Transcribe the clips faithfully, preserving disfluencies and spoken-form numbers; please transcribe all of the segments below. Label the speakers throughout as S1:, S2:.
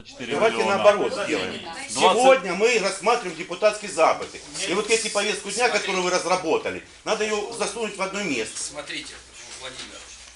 S1: Давайте наоборот сделаем. Сегодня мы рассматриваем депутатские запыты. И вот эти повестку дня, которую вы разработали, надо ее засунуть в одно место.
S2: Смотрите, Владимир,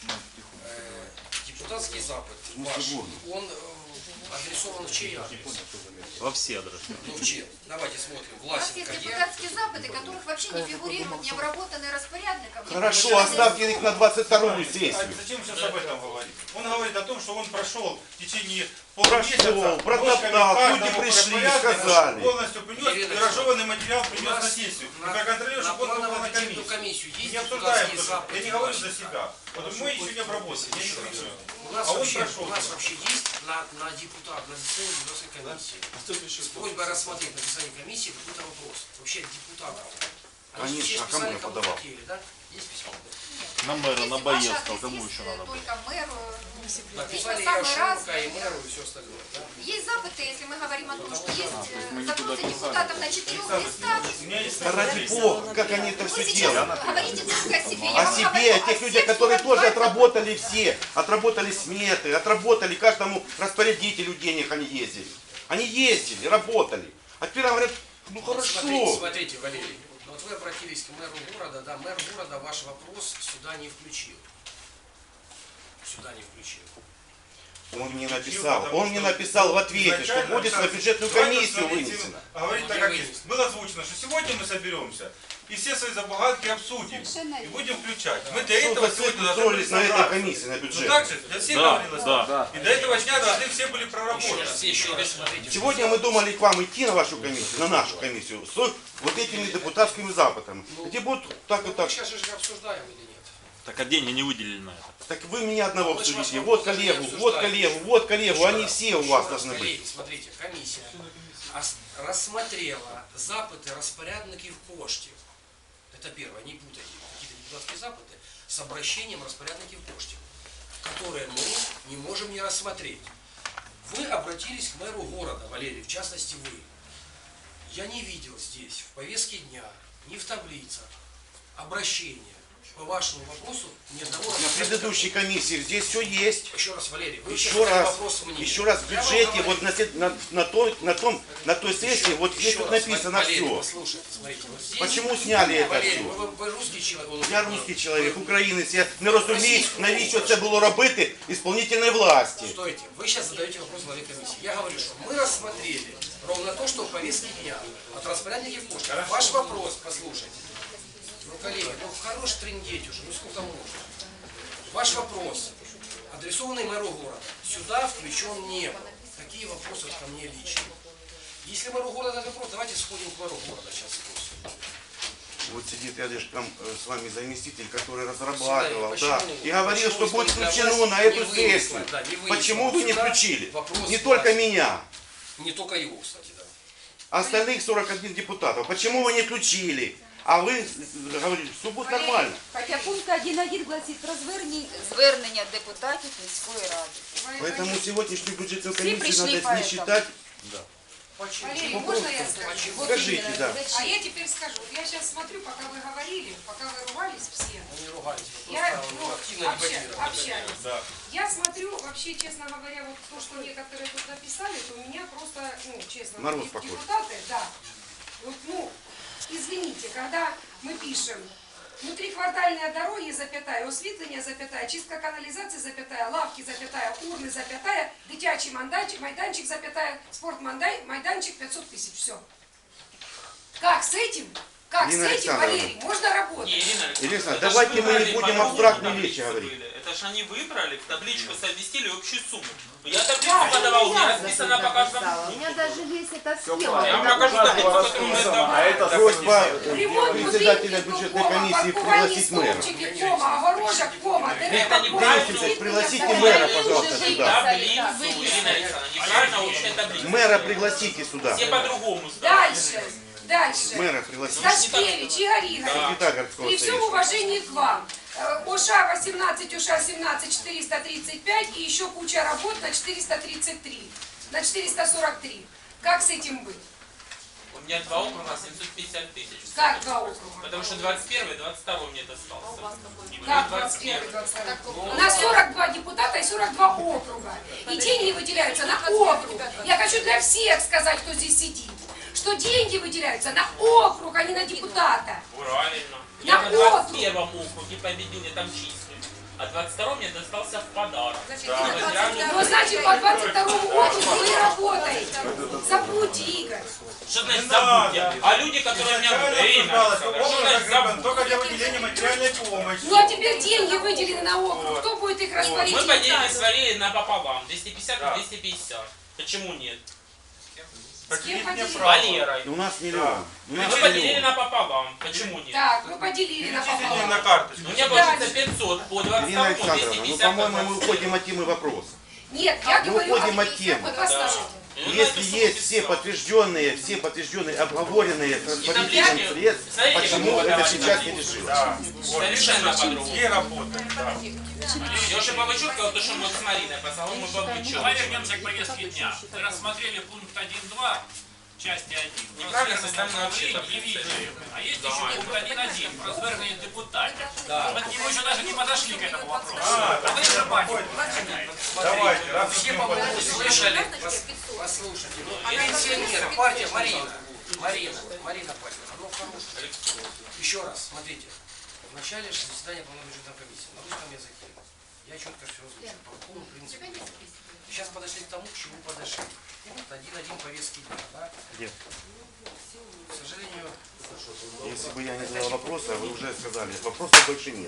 S2: э, депутатский запыт ваш, он э, адресован в чей адрес?
S3: Во все адресы.
S2: Ну, в чей? Давайте смотрим.
S4: У нас
S2: Власенко
S4: есть
S2: где?
S4: депутатские запыты, которых вообще не фигурируют, не обработанные распорядником.
S1: Хорошо, оставьте их на двадцать вторую сессию.
S5: А зачем сейчас об этом говорить? Он говорит о том, что он прошел в течение полумесяца,
S1: Прошел, протоптал, люди пришли, сказали.
S5: полностью принес и разжеванный материал принес на
S2: нас
S5: сессию. И
S2: на-
S5: проконтролируешь,
S2: на
S5: чтобы он попал на
S2: планово-бюджетную
S5: комиссию.
S2: комиссию есть
S5: Не обсуждаем
S2: депутатские
S5: тоже.
S2: запыты
S5: Я не говорю
S2: ваши?
S5: за себя. Вот мы еще не обработали, я не кричу.
S2: У нас,
S5: А он
S2: вообще,
S5: прошел.
S2: у нас вообще есть на, на депутат, на заседание депутатской комиссии. С просьбой рассмотреть на заседании комиссии какой-то вопрос. Вообще депутатов. Они
S1: Конечно,
S2: все
S1: а кому
S2: писали,
S1: я
S2: кому
S1: подавал?
S2: хотели, да? Есть письмо?
S3: На мэра, на
S4: Если ваш
S3: Боецкого,
S4: адрес
S3: кому
S4: есть,
S3: еще
S4: э,
S3: надо было?
S4: только мэру.
S2: Написали
S4: самый
S2: Ярошенко
S4: разный.
S2: и мэру и все остальное. Да?
S4: Есть запыты, если мы говорим о том, что есть э, запросы депутатов на четырех листах.
S5: У меня есть
S1: Да ради бога, как они это
S4: Вы
S1: все
S4: сейчас
S1: делают.
S4: говорите только о себе. Я
S1: О
S4: вам
S1: себе,
S4: говорю
S1: о тех людях,
S4: всех
S1: которые
S4: сорок два
S1: тоже отработали все, отработали сметы, отработали каждому распорядителю денег они ездили. Они ездили, работали. А теперь говорят, ну
S2: Смотрите,
S1: хорошо.
S2: смотрите, Валерий. Вот вы обратились к мэру города, да, мэр города ваш вопрос сюда не включил. Сюда не включил.
S1: Он мне написал, он мне написал в ответе, что будет на бюджетную комиссию вынесено.
S5: Говорит так, как есть. Было озвучено, что сегодня мы соберемся и все свои забаганки обсудим. И будем включать. Мы для
S1: Что
S5: этого
S1: вы
S5: сегодня должны
S1: устроились на этой
S5: собраться.
S1: комиссии, на
S5: Ну
S1: бюджет?
S5: так же, для всех
S3: Да,
S5: говорилось.
S3: да.
S5: И до этого дня должны все были
S2: Еще,
S5: проработать.
S2: все еще раз смотрите.
S1: Сегодня мы думали к вам идти на вашу комиссию, на нашу комиссию, с вот этими депутатскими запытами, где будут так и
S2: Мы
S1: так.
S2: сейчас же обсуждаем или нет?
S3: Так а деньги не выделили на это.
S1: Так вы меня одного
S2: Мы же вас
S1: обсудите,
S2: вопрос
S1: вот
S2: даже не
S1: коллегу, вот
S2: обсуждаем.
S1: коллегу, вот коллегу,
S2: Еще
S1: они
S2: раз,
S1: все у
S2: еще
S1: вас
S2: раз,
S1: должны
S2: коллеги,
S1: быть.
S2: Смотрите, комиссия ос- рассмотрела запыты распорядників коштів. Это первое, не путайте какие-то депутатские запыты с обращением распорядників коштів, которые мы не можем не рассмотреть. Вы обратились к мэру города, Валерий, в частности вы. Я не видел здесь в повестке дня, ни в таблицах обращения по вашему вопросу ни одного
S1: На
S2: распорядника.
S1: предыдущей комиссии здесь все есть.
S2: Еще раз, Валерий, вы
S1: Еще
S2: сейчас задали
S1: раз,
S2: вопрос мне.
S1: еще раз в
S2: Я вам
S1: бюджете,
S2: говорю,
S1: вот на, се- на, на, той, на, том, на той сессии,
S2: еще-
S1: вот здесь
S2: еще
S1: вот
S2: раз,
S1: написано
S2: Валерий,
S1: все.
S2: послушайте, смотрите, вот здесь-
S1: Почему сняли это
S2: Валерий,
S1: все?
S2: ви, ви русский человек.
S1: Я русский чоловік, українець, я не розумію, навіщо це було робити ісполнительної власті.
S2: Стойте, вы сейчас задаете вопрос главе комиссии. Я говорю, что мы рассмотрели ровно то, что в повестке дня от распорядников коштів. Ваш вопрос, послушайте. Ну, коллеги, ну хорош трындеть уже, ну сколько можно. Ваш вопрос, адресованный мэру города, сюда включен не был. Какие вопросы ко мне лично? Если мэру города этот вопрос, давайте сходим к мэру города сейчас спросим.
S1: Вот сидит рядышком э, с вами заместитель, который разрабатывал,
S2: Почему?
S1: да, и говорил,
S2: Почему
S1: что будет
S2: исполнительная
S1: включено
S2: власть
S1: на
S2: не
S1: эту
S2: вынесла,
S1: сессию.
S2: да, не вынесла
S1: Почему вы не
S2: сюда
S1: включили?
S2: вопрос
S1: Не только
S2: власти.
S1: меня,
S2: Не только его, кстати, да.
S1: а остальных сорок один депутатов. Почему вы не включили? А вы э, говорите, все будет нормально.
S6: Хоча пункт один точка один гласить про звернення,
S4: Звернення депутатів міської ради.
S1: Поэтому сегодняшнюю бюджетную
S6: Все
S1: комиссию
S6: пришли
S1: надо
S6: поэтому.
S1: не считать.
S7: Валерий, можно я скажу? Вот
S1: Скажите,
S7: именно.
S1: да.
S7: А я теперь скажу. Я сейчас смотрю, пока вы говорили, пока вы ругались все.
S2: Мы не ругались, мы
S7: Я
S2: просто
S7: ну,
S2: активно
S7: обща-
S2: дебатировали.
S7: общались.
S5: Да.
S7: Я смотрю, вообще, честно говоря, вот то, что некоторые тут написали, то меня просто, ну, честно,
S1: Мороз
S7: вот
S1: похож.
S7: депутаты, да. Вот, ну, извините, когда мы пишем внутриквартальные дороги, запятая, освітлення, запятая, чистка канализации, запятая, лавки, запятая, урны, запятая, дитячий майданчик, майданчик, запятая, спортмайданчик, пятьсот тысяч, все. Как с этим? Как
S1: Ирина
S7: с этим,
S1: Александровна.
S7: Валерий, можно работать?
S8: Не, Ирина Александровна,
S1: Ирина,
S8: это ж
S1: давайте мы
S8: выбрали
S1: не будем
S8: по
S1: абстрактные
S8: другому
S1: вещи
S8: таблицу
S1: говорить.
S8: были. Это ж они выбрали, в табличку совместили общую сумму. Я таблицу
S7: Да,
S8: подавал, у меня
S6: я
S8: расписано по каждому.
S6: У меня даже есть эта схема.
S8: Я вам покажу таблицу, которую мы давали.
S1: Просьба
S7: Ремонт
S1: председателя
S7: будинків,
S1: бюджетной
S7: кома,
S1: комиссии
S7: паркувальні
S1: пригласить мэра.
S7: стовпчики, кома, огорожа, кома, дерева,
S8: Это
S7: кома.
S8: неправильно.
S1: Пригласите мэра, пожалуйста, сюда.
S8: Таблицу, Ирина Александровна, неправильно общая таблица.
S1: Мэра пригласите сюда.
S8: Все по-другому ставят.
S7: Дальше, дальше.
S1: Мэра пригласите.
S7: Сташкевич, Игорь Игоревич,
S1: Секретарь городского
S7: при всем
S1: совета.
S7: уважении к вам, э, ОША восемнадцать, ОША семнадцать, четыреста тридцать пять и еще куча работ на четыреста тридцать три, на четыреста сорок три. Как с этим быть?
S8: У меня два округа, семьсот пятьдесят тысяч.
S7: Как два округа?
S8: Потому что двадцать первый, двадцать второй мне достался.
S7: Как двадцать первый, двадцать второй? У нас сорок два депутата и сорок два округа. И деньги выделяются на округ. Я хочу для всех сказать, кто здесь сидит, что деньги выделяются на округ, а не на депутата.
S8: Правильно.
S7: На
S8: Я на двадцать
S7: округ.
S8: первом округе победил, я там числю. А двадцать второй мне достался в подарок.
S7: Ну, значит, по двадцать второму округу вы работаете. Забудьте, Игорь.
S8: Что значит
S5: Не
S8: забудьте?
S5: надо.
S8: А люди, которые у меня
S5: Изначально
S8: время,
S5: обсуждалось, что
S8: что
S5: округ
S8: значит
S5: закреплен
S8: забудьте?
S5: только для выделения материальной помощи.
S7: Ну, а теперь деньги выделены на округ. Кто будет их
S8: Мы
S7: распорядиться?
S8: поделили свои напополам. двести пятьдесят
S5: Да.
S8: на двести пятьдесят. Почему нет?
S5: Поделить
S7: поделили?
S5: мне право.
S8: Валерой.
S1: У нас миллион. У нас
S8: Мы поделили
S1: миллион.
S8: напополам. Почему нет?
S7: Так, вы поделили на
S5: Перечислите
S7: пополам.
S5: на карточку.
S8: У меня получится пятьсот по двадцать
S1: Ирина
S8: второму, двести
S1: Александровна, ну,
S8: пятьдесят.
S1: по-моему, мы уходим от темы вопроса.
S7: Нет, я
S1: Мы
S7: говорю...
S1: уходим
S7: о-
S1: от темы.
S7: Вот послушайте.
S1: Если есть все подтвержденные, все подтвержденные, обговоренные с распорядителем
S8: таблички,
S1: средств,
S8: смотрите,
S1: почему
S8: как
S1: это
S8: мы
S1: сейчас не
S8: говорим.
S1: решилось?
S5: Да. Вот.
S8: Совершенно по-другому.
S5: И работаем. Да.
S8: Я уже по вычетке, то, что мы с Мариной по салону по
S9: Давай
S8: вычетке.
S9: вернемся к повестке дня. Мы рассмотрели пункт один-два, части один.
S8: Неправильно составлена
S9: Про
S8: вообще-то
S9: звернення і
S8: процесс.
S9: відео. А есть еще пункт один-один про звернення депутатів. Мы к нему еще даже не подошли к этому вопросу.
S5: А,
S9: А вы забанили.
S5: Давайте, раз
S2: Все
S5: мы
S2: по поводу
S5: подошли.
S2: слышали, пос- послушайте. Пенсионеры, партия Марина, Марина, Марина партия. Ну, хорошая. Еще раз, смотрите. В начале же заседания полномочия комиссии на русском языке. Я четко все озвучил. По какому принципу. Сейчас подошли к тому, к чему подошли. Вот один-один повестки дня, да? К сожалению,
S1: Если бы я не задал вопроса, вы уже сказали, вопросов больше нет.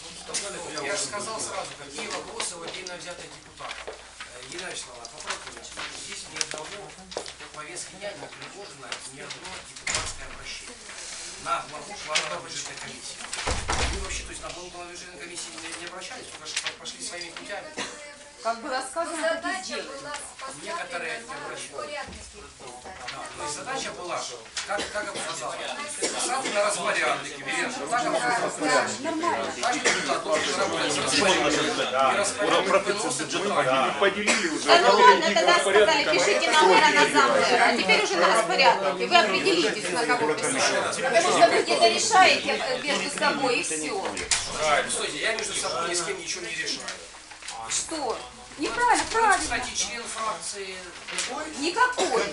S2: я же сказал сразу, какие вопросы у отдельно взятых депутатов. Э, Елена Вячеславовна, попробуйте. Здесь ни одного повестки дня не предложено, ни одно депутатское обращение на главу плановой бюджетной комиссии. Вы вообще, то есть на главу плановой бюджетной комиссии не, не обращались, только что пошли своими путями.
S6: Как было сказано, таких
S4: Задача
S6: дело.
S4: была
S2: Некоторые не
S4: поставлена
S2: обращались.
S4: порядке.
S2: Да, то есть задача была, как, как обсуждалось, сразу на распоряднике, Елена, так обсуждалось.
S6: Нормально.
S2: Каждый депутат должен работать с распорядником. И распорядник выносит бумагу.
S5: Поделили уже.
S6: Да ну ладно, тогда сказали, пишите на мэра, на заммэра. А теперь уже на распорядке. Вы определитесь, на кого писать. Потому что вы где-то решаете между собой и все.
S2: Стойте, я между собой ни с кем ничего не решаю.
S6: Что? Неправильно, правильно.
S2: Кстати, член фракции,
S6: Никакой.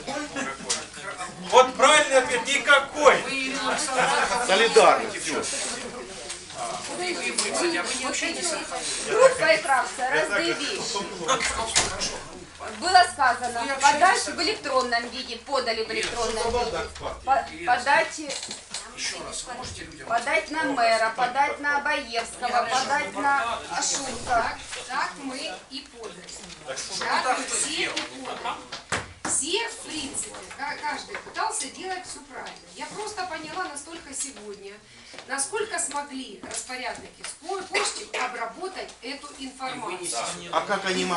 S5: Вот правильный ответ, никакой.
S2: вы, Ирина Александровна,
S1: Солидарно, все.
S2: вы, вы, вы, кстати, а вы не общаетесь с Александром?
S6: Группа и фракция, разные вещи. Было сказано, подать в электронном виде, подали в электронном виде. По- Подать,
S2: Еще раз, вы можете людям...
S6: подать на мэра, подать на Баевского, подать на Ашурка.
S7: Так мы и подали.
S2: Что
S7: Так
S2: так
S7: мы
S2: кто
S7: все и
S2: сделал?
S7: подали. Все, в принципе, ка- каждый пытался делать все правильно. Я просто поняла настолько сегодня, насколько смогли распорядники с по- почты обработать эту информацию.
S1: А как они